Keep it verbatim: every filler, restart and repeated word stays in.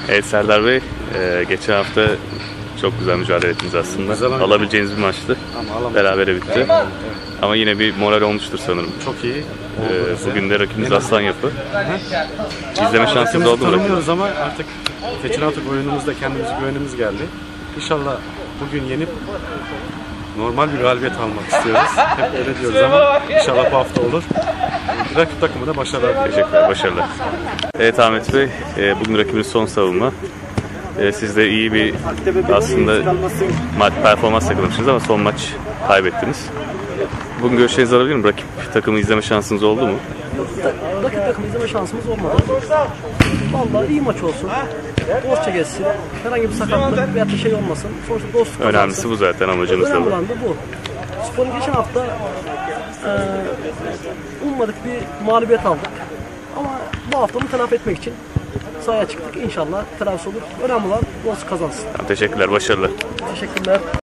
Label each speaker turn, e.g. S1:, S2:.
S1: Evet Serdar Bey, e, geçen hafta çok güzel mücadele ettiniz aslında. Güzel alabileceğiniz bir maçtı. Berabere bitti. Evet. Ama yine bir moral olmuştur sanırım.
S2: Çok iyi.
S1: Ee, bugün de rakibimiz Aslan Yapı. İzleme şansınız oldu mu?
S2: Tanımıyoruz ama artık Teçhinatık oyunumuzda kendimize güvenimiz geldi. İnşallah bugün yenip normal bir galibiyet almak istiyoruz. Hep öyle diyoruz ama inşallah bu hafta olur. Rakip takımı da başarılar.
S1: Teşekkürler, başarılar. Evet Ahmet Bey, e, bugün rakibimiz son savunma. E, siz de iyi bir aslında maç performans yakalamışsınız ama son maç kaybettiniz. Bugün görüşlerinizi alabilir miyim? Rakip takımı izleme şansınız oldu mu?
S3: Rakip takımı izleme şansımız olmadı. Vallahi iyi maç olsun. Dostça geçsin. Herhangi bir sakatlık veya bir şey olmasın. Sonuçta dostluk kazansın.
S1: Önemlisi bu zaten, amacınız da bu.
S3: Önemli olan da bu. Spor'un geçen hafta e, ummadık bir mağlubiyet aldık. Ama bu hafta bunu telafi etmek için sahaya çıktık. İnşallah telafi olur. Önemli olan dostluk kazansın.
S1: Tamam, teşekkürler, başarılar.
S3: Teşekkürler.